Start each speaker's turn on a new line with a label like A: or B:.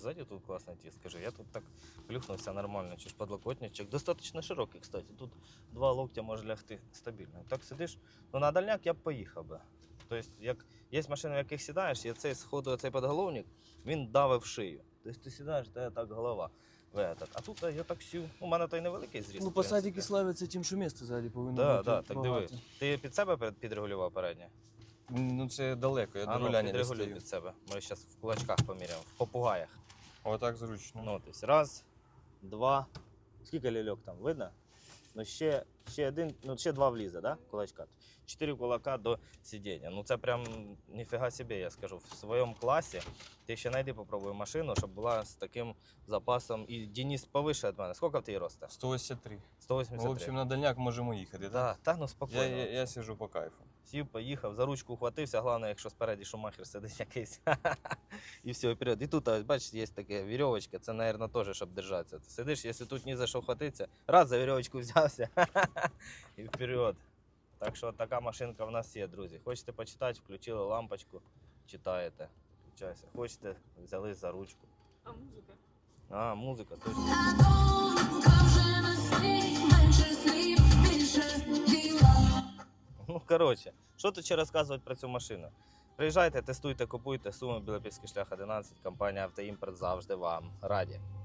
A: ззаді тут класний ті, скажи. Я тут так плюхнувся нормально, чи ж подлокотничок. Достатньо широкий, кстати. Тут 2 локтя може лягти стабільно. Так сидиш, ну на дальняк я б поїхав би. Тобто, як є машини, в яких сідаєш, і цей сходу, цей подголовник, він давив шию. Тобто ти сідаєш, та так голова. А тут я так сів. У мене той невеликий зріст.
B: Ну, посадики славяться тим, що місце ззаді повинно
A: Так,
B: бути.
A: так, так диви.
B: багато.
A: Ти під себе підрегулював переднє?
B: Ну це далеко, я до
A: ну,
B: руляння не
A: підрегулюй
B: стою.
A: під себе. Ми зараз в кулачках поміряємо, в попугаях.
B: Отак зручно.
A: Ну, тобто, раз, два. Скільки ляльок там, видно? Ну, ще один, ну, ще 2 влізе, да? Кулачка. 4 кулака до сидіння. Ну, це прям ніфіга собі, я скажу. В своєму класі ти ще знайди, попробуй машину, щоб була з таким запасом. І Денис повише від мене. Скільки в тебе росте?
B: 183.
A: 183.
B: В общем, на дальняк можемо їхати, так?
A: Да, та ну спокійно.
B: Я сижу по кайфу.
A: Сів, поїхав, за ручку ухватився, головне, якщо спереді шумахер сидить якийсь. І все, вперед. І тут, ось, бачиш, є така вірьовочка, це, мабуть, теж, щоб держатися. Ти сидиш, якщо тут ні за що хватитися, раз за вірьовочку взявся і вперед. Так що така машинка в нас є, друзі. Хочете почитати, включили лампочку, читаєте. Включайся. Хочете, взяли за ручку.
C: А музика?
A: А, музика, точно. Ну, коротше, що тут ще розказувати про цю машину? Приїжджайте, тестуйте, купуйте. Суми Білопільський шлях 11, компанія Автоімпорт завжди вам раді.